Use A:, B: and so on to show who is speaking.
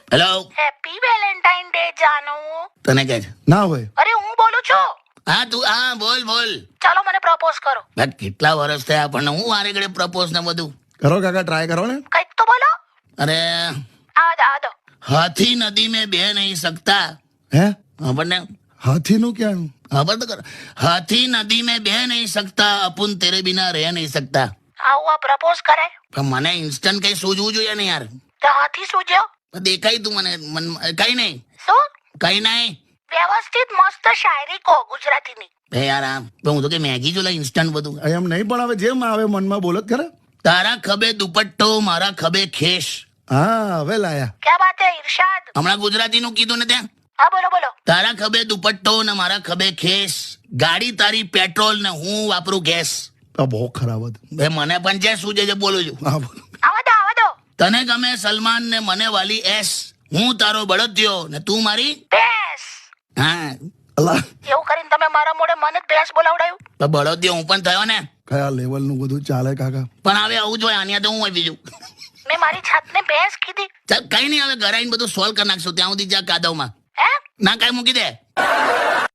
A: Hello,
B: happy valentine day જાનુ.
A: તને કે છે?
C: ના હોય.
B: અરે હું બોલું છું.
A: હા તું હા બોલ બોલ.
B: ચાલો મને પ્રપોઝ કરો.
A: ભાઈ કેટલા વર્ષ થયા આપણને, હું વારે ઘડે પ્રપોઝ ને બધું.
C: કરો કાકા, ટ્રાય કરો ને.
B: કંઈક તો બોલો.
A: અરે
B: આ દો.
A: હાથી નદી में बह नहीं सकता.
C: હે
A: આપણને
C: હાથીનું ક્યાં?
A: ખબર તો કર. હાથી નદી में बह नहीं सकता, અપુન તેરે બિના રહ નહીં सकता.
B: આવું આ પ્રપોઝ કરાય
A: પણ મને ઇન્સ્ટન્ટ કઈ સૂઝવું જોઈએ ને યાર.
B: તો હાથી સૂજ્યો.
A: દેખાય તું મને કઈ નહીં
B: શું
A: કઈ નહીં.
B: વ્યવસ્થિત મસ્ત શાયરી કહો ગુજરાતીની.
A: બે યાર આ હું તો કે મેગી જો ઇન્સ્ટન્ટ બધું.
C: એમ નહીં, પણ હવે જેમ આવે મનમાં બોલો જ ખરા.
A: તારા ખભે દુપટ્ટો, મારા ખભે ખેશ.
C: હા હવે લાયા.
B: ક્યાં બાત હે ઇરશાદ.
A: હમણાં ગુજરાતીનું કીધું ને ત્યાં.
B: હા બોલો બોલો.
A: તારા ખભે દુપટ્ટો ને મારા ખભે ખેશ. ગાડી તારી પેટ્રોલ ને હું વાપરું ગેસ.
C: આ બહુ ખરાબ હતું.
A: બે મને પણ જે શું છે બોલું છું.
C: હા બોલો.
B: આવા દો.
A: તને ગમે સલમાન ને મને વાલી એસ. હું તારો બળદિયો ને તું મારી.
B: ભેંસ.
A: હા
C: અલા
B: એવું કરીને તમે મારા મોઢે મને જ ભેંસ બોલાવડાયું.
A: તો બળદિયો હું પણ થયો ને.
C: કયા લેવલનું બધું ચાલે કાકા.
A: પણ હવે આવું જોઈએ આની તો હું હોય બીજું.
B: મેં મારી જાતને ભેંસ કીધી.
A: ચાલ કઈ નહીં, હવે ઘરે આવીને બધું સોલ્વ કરી નાખશું. ત્યાં સુધી જા કાદવમાં
B: હે
A: ના કઈ મૂકી દે.